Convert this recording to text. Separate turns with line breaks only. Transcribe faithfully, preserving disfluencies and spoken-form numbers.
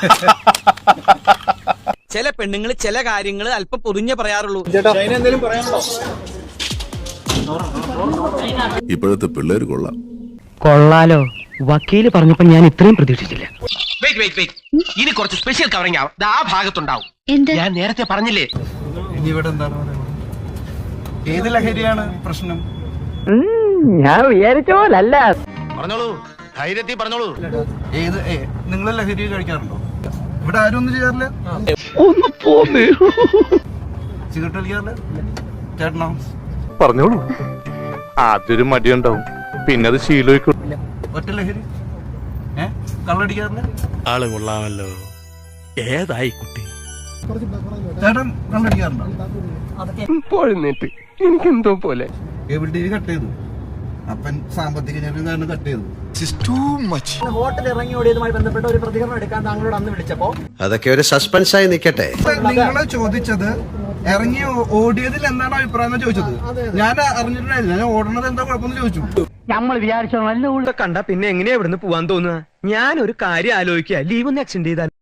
ചില പെണ്ണുങ്ങൾ ചില കാര്യങ്ങൾ അല്പം പൊതിഞ്ഞേ പറയാറുള്ളൂ.
ഇപ്പോഴത്തെ പിള്ളേര് കൊള്ളാം.
കൊള്ളാലോ, വക്കീല് പറഞ്ഞപ്പോ ഞാൻ ഇത്രയും പ്രതീക്ഷിച്ചില്ല.
ഇനി കുറച്ച് സ്പെഷ്യൽ കവറിംഗ് ആവും. ആ ഭാഗത്തുണ്ടാവും. ഞാൻ നേരത്തെ പറഞ്ഞില്ലേ.
ഇനി ഇവിടെ എന്താണ് പറയുന്നത്? ഏത് ലഹരിയാണ് പ്രശ്നം?
ഞാൻ വിചാരിച്ച പോലല്ല.
പറഞ്ഞോളൂ, ധൈര്യത്തിൽ പറഞ്ഞോളൂ.
ഏത് നിങ്ങൾ ലഹരി കഴിക്കാറുണ്ടോ? ഇവിടെ ആരും ഒന്നും ചെയ്യാറില്ല.
ഒന്ന് പോന്നേ.
സിഗരറ്റ് വലിക്കാറില്ല? ചേട്ടനോ?
പറഞ്ഞോളൂ. ആദ്യൊരു മടിയുണ്ടാവും, പിന്നെ അത് ശീലമായിക്കോട്ടെ.
ഒറ്റ ലഹരി? ഏ കള്ളടിക്കാറില്ല?
ആള് കൊള്ളാമല്ലോ. ഏതായി കുട്ടി?
ചേട്ടൻ കള്ളടിക്കാറുണ്ടോ?
പോഴുന്നേറ്റ് എനിക്കെന്തോ പോലെ.
കേബിൾ ടി വി കട്ട് ചെയ്തു. അപ്പൻ സാമ്പത്തിക ഞെരുക്കം കാരണം കട്ട് ചെയ്തു.
ഹോട്ടൽ ഇറങ്ങി ഓടിയതുമായി ബന്ധപ്പെട്ട ഒരു പ്രതികരണം എടുക്കാൻ താങ്കളോട് അന്ന് വിളിച്ചപ്പോ
അതൊക്കെ ഒരു സസ്പെൻസായി നിൽക്കട്ടെ.
നിങ്ങളെ ചോദിച്ചത് ഇറങ്ങി ഓടിയതിൽ എന്താണ് അഭിപ്രായം ചോദിച്ചത്. ഞാൻ അറിഞ്ഞിട്ടുണ്ടായില്ല. ഞാൻ ഓടണത് എന്താ കുഴപ്പമെന്ന് ചോദിച്ചു.
നമ്മൾ വിചാരിച്ചോ നല്ല ഉള്ള കണ്ട പിന്നെ എങ്ങനെയാ ഇവിടുന്ന് പോവാൻ തോന്നുക? ഞാൻ ഒരു കാര്യം ആലോചിക്കുക, ലീവ് ഒന്ന് എക്സ്റ്റെൻഡ് ചെയ്താൽ